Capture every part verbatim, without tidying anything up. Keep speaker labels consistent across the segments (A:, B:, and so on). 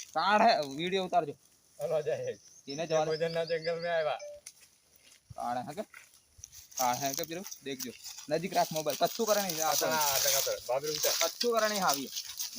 A: काढ़ है वीडियो उतार जो
B: हेलो जय
A: इन्हें जवान
B: भोजन ना जंगल में आया
A: काढ़ है के काढ़ है के फिर देख जो नजीक रख मोबाइल कच्चू करे नहीं
B: आता ना आता का बाबू उठा
A: कच्चू करे नहीं हावी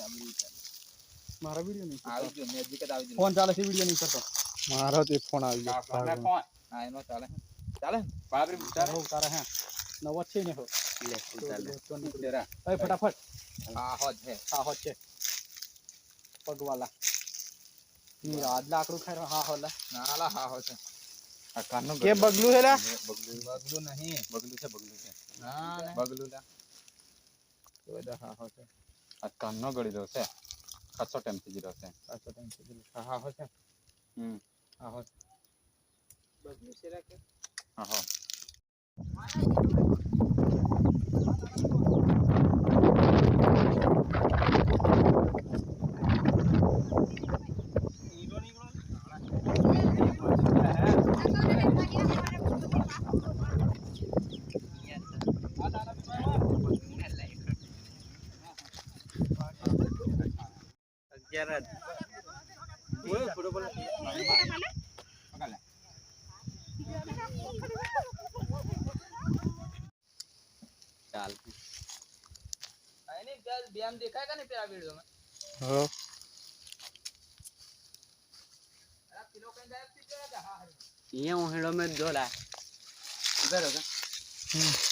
C: मारा वीडियो नहीं
A: आवी जो नजीक दावी जो
C: फोन चाले से वीडियो नहीं करता मारा ते फोन आ गया
A: मैं फोन हां इनो चाले चाले बाबरी
C: उतार उतार है नव अच्छे नहीं हो
A: ले उतार तेरा
C: ए फटाफट
A: हां हो है
C: हां हो छे पग वाला नी रात लाकड़ू खाय हां होला
A: नाला हां हो छे आ कानो
C: के बगलू हेला
A: बगलू बगलू नहीं बगलू से बगलू से हां बगलू ला तो दा हां हो छे आ कानो गड़ी दो से कच्चो टाइम से जीरो से कच्चो टाइम से जीरो हां हो छे हम हां हो बगलू से रखे हां हो Jared. Gue udah boleh. Pagala. चल नहीं जल व्यायाम देखा है का नहीं तेरा वीडियो में हां अरे किलो कहीं गायब थी तेरा हां ये हेड़ो में जोला इधर होगा